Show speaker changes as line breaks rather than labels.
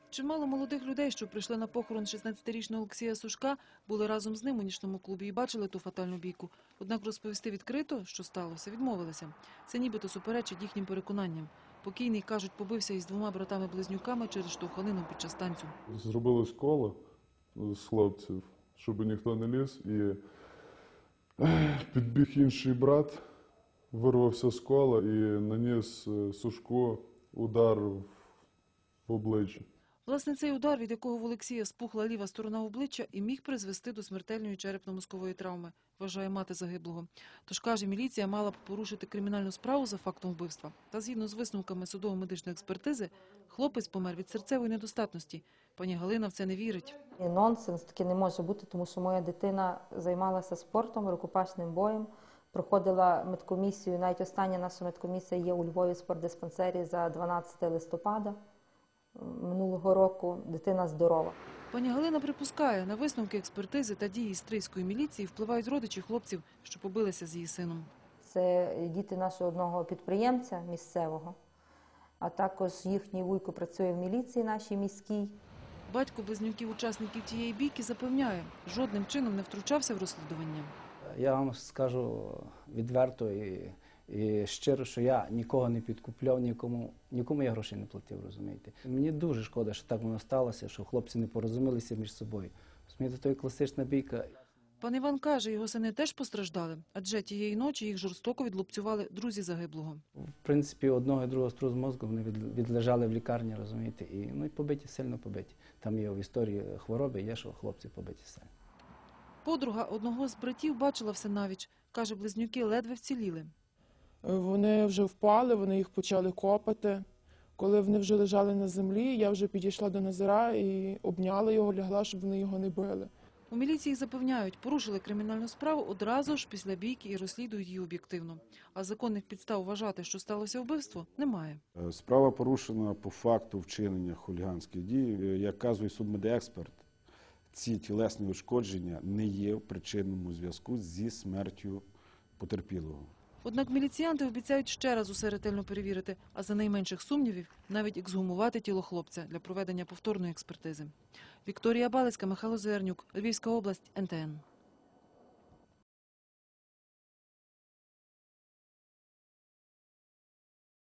Чимало молодих людей, що прийшли на похорон 16-річного Олексія Сушка, були разом з ним у нічному клубі і бачили ту фатальну бійку. Однак розповісти відкрито, що сталося, відмовилися. Це нібито суперечить їхнім переконанням. Покійний, кажуть, побився із двома братами-близнюками через штовханину під час танцю.
Зробилось коло з хлопців, щоб ніхто не ліз, і підбіг інший брат, вирвався з кола і наніс Сушку удар в обличчя.
Власне, цей удар, від якого в Олексія спухла ліва сторона обличчя, і міг призвести до смертельної черепно-мозкової травми, вважає мати загиблого. Тож, каже, міліція мала б порушити кримінальну справу за фактом вбивства. Та згідно з висновками судово-медичної експертизи, хлопець помер від серцевої недостатності. Пані Галина в це не вірить.
Нонсенс таки не може бути, тому що моя дитина займалася спортом, рукопашним боєм, проходила медкомісію, навіть остання наша медкомісія є у Львові в спортдиспансері за 12 листопада минулого року. Дитина здорова.
Пані Галина припускає, на висновки експертизи та дії стрийської міліції впливають родичі хлопців, що побилися з її сином.
Це діти нашого одного підприємця місцевого, а також їхній вуйко працює в міліції нашій міській.
Батько близнюків учасників тієї бійки запевняє, жодним чином не втручався в розслідування.
Я вам скажу відверто і щиро, що я нікого не підкупляв, нікому я грошей не платив, розумієте. Мені дуже шкода, що так воно сталося, що хлопці не порозумілися між собою. Розумієте, то є класична бійка.
Пан Іван каже, його сини теж постраждали, адже тієї ночі їх жорстоко відлупцювали друзі загиблого.
В принципі, одного і другого струс мозку вони відлежали в лікарні, розумієте, і побиті, сильно побиті. Там є в історії хвороби, є, що хлопці побиті сильно.
Подруга одного з братів бачила все навіч. Каже, близнюки ледве вціліли.
Вони вже впали, вони їх почали копати. Коли вони вже лежали на землі, я вже підійшла до Назара і обняла його, лягла, щоб вони його не били.
У міліції запевняють, порушили кримінальну справу одразу ж після бійки і розслідують її об'єктивно. А законних підстав вважати, що сталося вбивство, немає.
Справа порушена по факту вчинення хуліганських дій. Як казує судмедексперт, ці тілесні ушкодження не є в причинному зв'язку зі смертю потерпілого.
Однак міліціянти обіцяють ще раз усе ретельно перевірити, а за найменших сумнівів навіть ексгумувати тіло хлопця для проведення повторної експертизи. Вікторія Балицька, Михайло Зернюк, Львівська область, НТН.